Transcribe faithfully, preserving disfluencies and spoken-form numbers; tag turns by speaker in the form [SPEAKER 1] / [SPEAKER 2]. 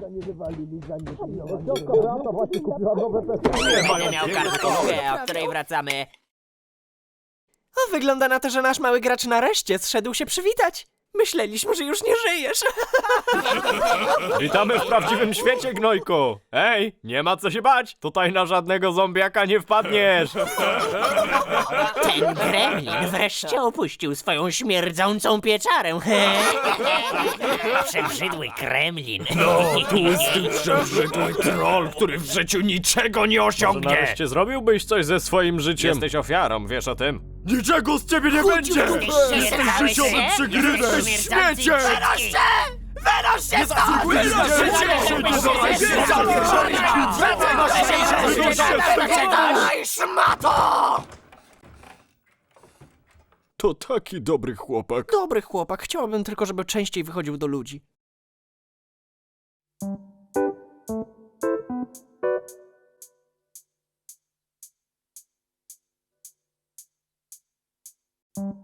[SPEAKER 1] Będę miał kartkówkę, o której wracamy.
[SPEAKER 2] O, wygląda na to, że nasz mały gracz nareszcie zszedł się przywitać. Myśleliśmy, że już nie żyjesz.
[SPEAKER 3] Witamy w prawdziwym świecie, gnojku! Ej, nie ma co się bać! Tutaj na żadnego zombiaka nie wpadniesz!
[SPEAKER 1] Ten gremlin wreszcie opuścił swoją śmierdzącą pieczarę. Przebrzydły gremlin.
[SPEAKER 3] Tłusty, przebrzydły troll, który w życiu niczego nie osiągnie! Może nareszcie zrobiłbyś coś ze swoim życiem? Jesteś ofiarą, wiesz o tym? Niczego z ciebie nie będzie!
[SPEAKER 1] Jesteś życiowy przygrywem, śmiecie! Wynoś się! Wynoś się stąd! Daj, szmato!
[SPEAKER 3] To taki dobry chłopak.
[SPEAKER 2] Dobry chłopak, chciałabym tylko, żeby częściej wychodził do ludzi.
[SPEAKER 4] you